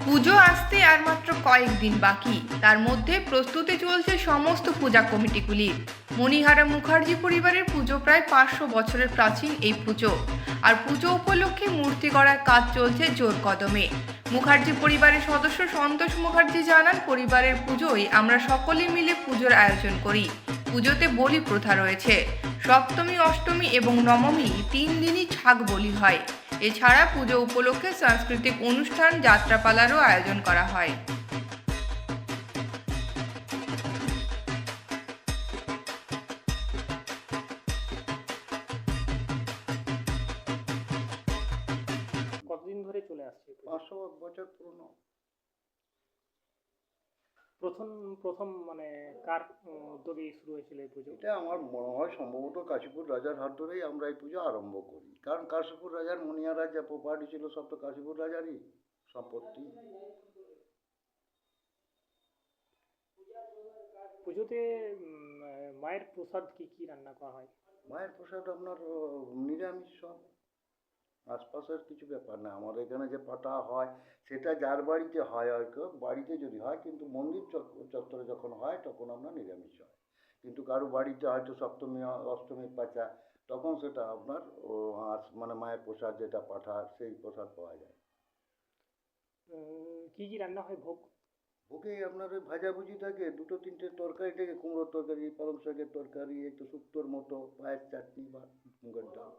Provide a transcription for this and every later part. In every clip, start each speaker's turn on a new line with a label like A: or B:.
A: পুজো আসতে আর মাত্র কয়েকদিন বাকি, তার মধ্যে প্রস্তুতি চলছে সমস্ত পূজা কমিটিগুলির। মণিহারা মুখার্জি পরিবারের পুজো প্রায় 500 বছরের প্রাচীন এই পুজো, আর পুজো উপলক্ষে মূর্তি গড়ার কাজ চলছে জোর কদমে। মুখার্জি পরিবারের সদস্য সন্তোষ মুখার্জি জানান, পরিবারের পুজোয় আমরা সকলে মিলে পুজোর আয়োজন করি। পুজোতে বলি প্রথা রয়েছে। সপ্তমী, অষ্টমী এবং নবমী 3 দিনই ছাগ বলি হয়। এছাড়া পুজো উপলক্ষে সাংস্কৃতিক অনুষ্ঠান, যাত্রাপালারও আয়োজন করা হয়।
B: কতদিন ধরে চলে আসছে এই পুজো?
C: 500 বছর পুরনো।
B: প্রথম প্রথম মানে কার উদ্যোগে শুরু হয়েছিল এই পুজো?
C: এটা আমার মনে হয় সম্ভবত কাশীপুর রাজার হাত ধরেই আমরা এই পুজো আরম্ভ করি, কারণ কাশীপুর রাজার মণিহারার যা প্রপার্টি ছিল সব তো কাশীপুর রাজারই সম্পত্তি।
B: পুজোতে মায়ের প্রসাদ কি কি রান্না করা হয়?
C: মায়ের প্রসাদ আপনার নিরামিষ সব, আশপাশের কিছু ব্যাপার না। আমাদের এখানে যে পাঠা হয় সেটা যার বাড়িতে হয়, হয়তো বাড়িতে যদি হয়, কিন্তু মন্দির চত্বরে যখন হয় তখন আমরা নিরামিষ হয়। কিন্তু কারো বাড়িতে হয়তো সপ্তমী অষ্টমীর পাচা, তখন সেটা আপনার মানে মায়ের প্রসাদ যেটা পাঠা, সেই প্রসাদ পাওয়া যায়।
B: কি কি রান্না হয় ভোগ?
C: ভোগে আপনার ওই ভাজাভুজি থাকে, দুটো তিনটে তরকারি থাকে, কুমড়োর তরকারি, পালং শাকের তরকারি, একটু শুক্তোর মতো, পায়ের চাটনি বা মুগের ডাল।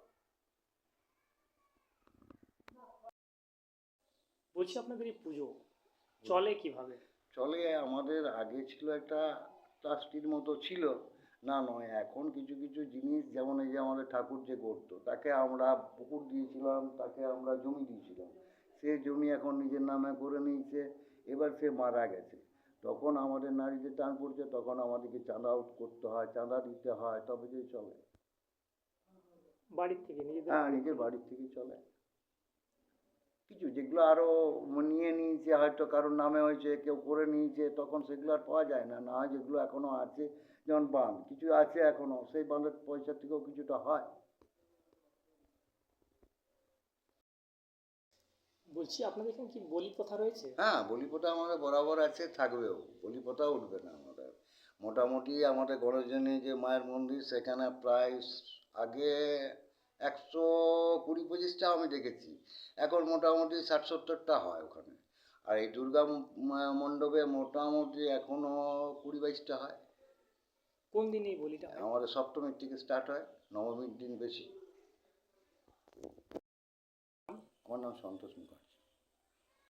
B: বলছি আপনাদের এই পুজো চলে কিভাবে?
C: চলে আমাদের আগে ছিল একটা ট্রাস্টির মতো ছিল, না নয় এখন কিছু কিছু জিনিস, যেমন এই যে আমাদের ঠাকুর যে করতো তাকে আমরা পুকুর দিয়েছিলাম, তাকে আমরা জমি দিয়েছিলাম, সে জমি এখন নিজের নামে করে নিয়েছে। এবার সে মারা গেছে, তখন আমাদের নারীদের টান পড়ছে, তখন আমাদেরকে চাঁদা করতে হয়, চাঁদা দিতে হয়, তবে যে চলে।
B: বাড়ির থেকে নিজেদের?
C: হ্যাঁ, নিজের বাড়ির থেকেই চলে। কিছু যেগুলো আরও নিয়ে নিয়েছে, হয়তো কারোর নামে হয়েছে, কেউ করে নিয়েছে, তখন সেগুলো আর পাওয়া যায় না। না হয় যেগুলো এখনও আছে, যেমন বাঁধ কিছু আছে এখনও, সেই বাঁধের পয়সা থেকেও কিছুটা হয়।
B: বলছি আপনাদের এখানে কি বলি প্রথা রয়েছে?
C: হ্যাঁ, বলি প্রথা আমাদের বরাবর আছে, থাকবেও। বলি প্রথা উঠবে না আমাদের। মোটামুটি আমাদের গণেশজনী যে মায়ের মন্দির, সেখানে প্রায় আগে 120-25টা আমি দেখেছি, এখন মোটামুটি 60-70টা হয় ওখানে। আর এই দুর্গা মণ্ডপে মোটামুটি এখনও 20-22টা হয়।
B: কোন দিন এই বলিটা হয়?
C: আমাদের সপ্তমীর থেকে স্টার্ট হয়, নবমীর দিন বেশি। আমার নাম সন্তোষ মুখার্জি।